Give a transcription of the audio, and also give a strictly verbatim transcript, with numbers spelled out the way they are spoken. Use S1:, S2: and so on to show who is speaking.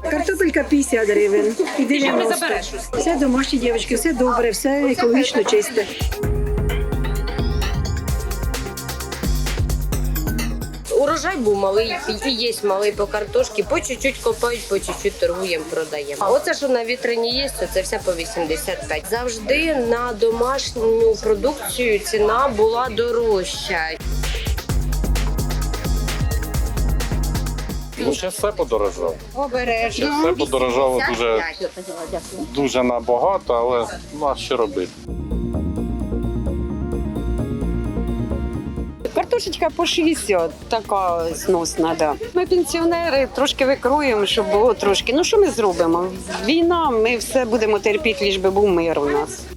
S1: Картопелька п'ятдесят гривень. І дев'яносто. Все домашні дівчатки, все добре, все екологічно чисте.
S2: Урожай був малий, і є малий по картошці, по чуть-чуть копають, по чуть-чуть торгуємо, продаємо. Оце, що на вітрині є, то це все по вісімдесят п'ять. Завжди на домашню продукцію ціна була дорожча.
S3: Ну, ще все подорожало.
S2: Обережно.
S3: Ще все подорожало дуже, дуже набагато, але ну, а що робити?
S4: Картошечка по шістдесят, така сносна, да. Ми пенсіонери трошки викруємо, щоб було трошки. Ну що ми зробимо? Війна, ми все будемо терпіти, лиш би був мир у нас.